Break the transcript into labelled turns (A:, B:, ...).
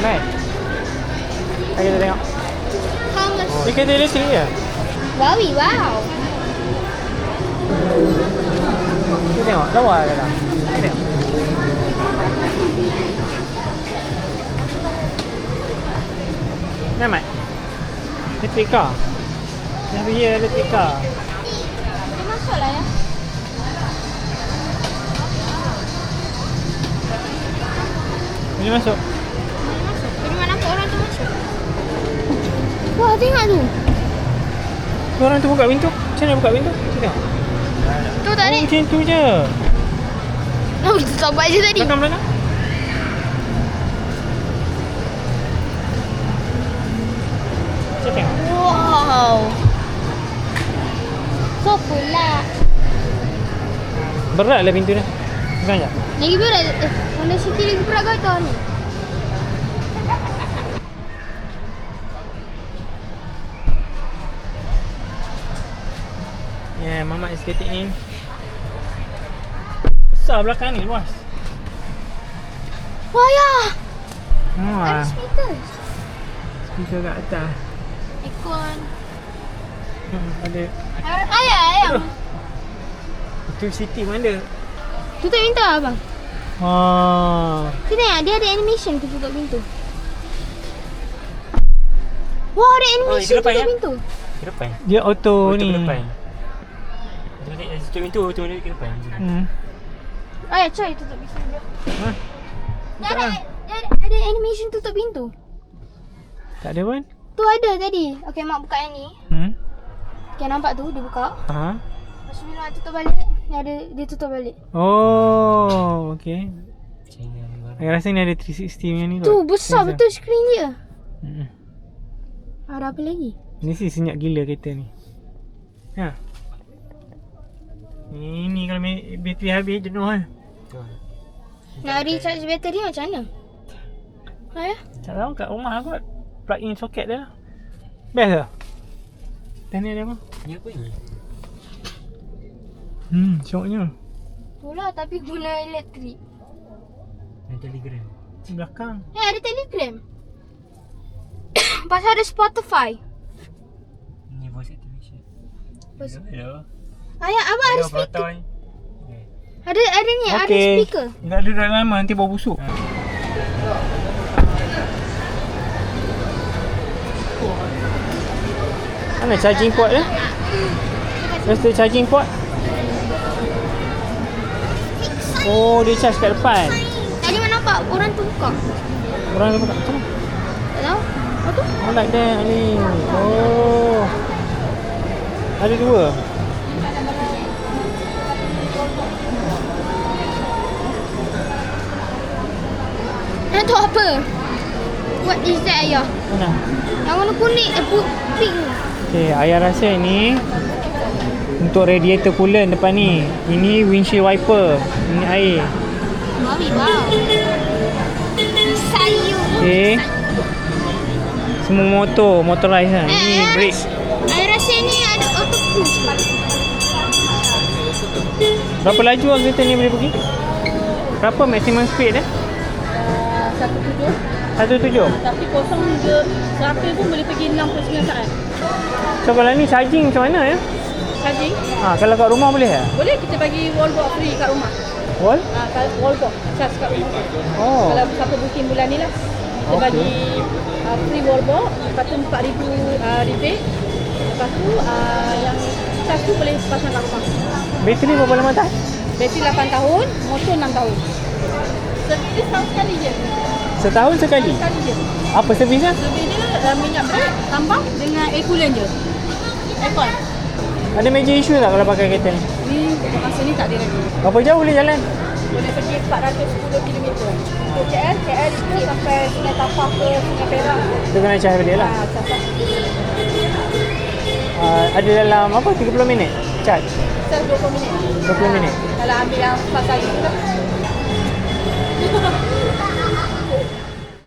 A: Ramai. Mari kita tengok.
B: How much?
A: Dia kereta elektrik je.
B: Wowie, wow.
A: Kita tengok. Lawa dalam. Kita tengok. Ramai. Electric car. Dah pergi electric car.
B: Dia masuk lah ya.
A: Boleh masuk.
B: Dari mana pun orang tu masuk. Wah, tengok tu.
A: Orang tu buka pintu. Macam mana buka pintu? Kita tengok.
B: Tu tak ada.
A: Macam tu je.
B: Oh, kita tak buat je tadi.
A: Belakang. Kita tengok.
B: Wow. So pula.
A: Berat lah pintu dia. Bukan tak?
B: Lagi berat. Honda City lagi berat kau tahu ni.
A: Yeah, Mama is getting in. Besar belakang ni, luas.
B: Wah ya.
A: Wah,
B: Ada speaker.
A: speaker kat atas.
B: Aircon.
A: Ada.
B: Ayam.
A: Itu City mana?
B: Tutup pintu abang. Kita tengok dia ada animation tu tutup pintu. Wah, ada animation
A: ke depan,
B: tutup
A: ya?
B: pintu.
A: Ke depan. Dia auto ni. Ke depan. Tutup pintu, auto ni ke depan.
B: Ayah, coy tutup pintu dia.
A: Ha?
B: Ada animation tutup pintu.
A: Tak ada pun.
B: Tu ada tadi. Okey, mak buka yang ni. Okay, nampak tu dia buka.
A: Ha?
B: Lepas tu bila nak tutup balik, dia tutup balik.
A: Oh, okey. Saya rasa ni ada 360 punya ni
B: Tu besar betul skrin dia. Ada apa lagi?
A: Ni sih senyap gila kereta ni. Ha. Ini kalau bateri habis jenuh kan.
B: Nak recharge bateri macam mana? Ya?
A: Tak tahu kat rumah kot. Plug in soket dia. Best ke? Dan ni ada apa? Ni apa ni? Syoknya.
B: Itulah tapi guna elektrik.
A: Ada Telegram. Di belakang.
B: Ada Telegram. Pasal ada Spotify.
A: Ni voice activation. Hello.
B: Ayah, abang ada speaker. Ada ni, ada speaker.
A: Tak ada dah lama nanti bau busuk. Mana charging port dia? Where's the charging port? Oh, dia charge kat depan.
B: Tadi mana nampak orang tu buka.
A: Orang tu buka. Macam mana?
B: Tak tahu. Apa tu?
A: Oh, like that ni. Oh. Ada dua.
B: Yang tu apa? What is that, ayah?
A: Mana?
B: Yang warna kuning, pink.
A: Okay, ayah rasa ni untuk radiator coolant depan ni. Ini windshield wiper. Ini air.
B: Mami, wow. Sayu.
A: Okay. Semua motorized kan. Ini brake.
B: Ayah rasa ni ada auto cruise.
A: Berapa laju lah kereta ni boleh pergi? Berapa maximum speed dia?
C: 17.
A: 17?
C: Tapi kosong je 100 pun boleh pergi 69 saat.
A: So kalau ni charging macam mana ya?
C: Charging?
A: Kalau kat rumah boleh tak?
C: Boleh kita bagi wallbox free kat rumah.
A: Wall?
C: Kalau wallbox charge kat rumah.
A: Oh.
C: Kalau siapa booking bulan ni lah. Kita bagi free wallbox. Lepas tu 4,000 rebate. Lepas tu yang charge tu boleh pasang kat rumah.
A: Bateri berapa lama tak?
C: Bateri 8 tahun, motor 6 tahun. Servis tahun sekali je.
A: Setahun sekali?
C: Sekali je.
A: Apa servisnya?
C: Servis dia minyak brake, tambang dengan air coolant je. Aircon.
A: Ada major issue tak kalau pakai kereta ni?
C: Ni masa ni tak ada lagi.
A: Berapa jauh boleh jalan?
C: Boleh pergi 410 km. Untuk KL itu sampai Sungai Tapah ke Sungai Perak.
A: Dia kena charge balik lah.
C: Sampai
A: Ada dalam apa? 30 minit? Charge?
C: 20 minit.
A: 20 minit?
C: Kalau ambil yang 4 kali tu lah.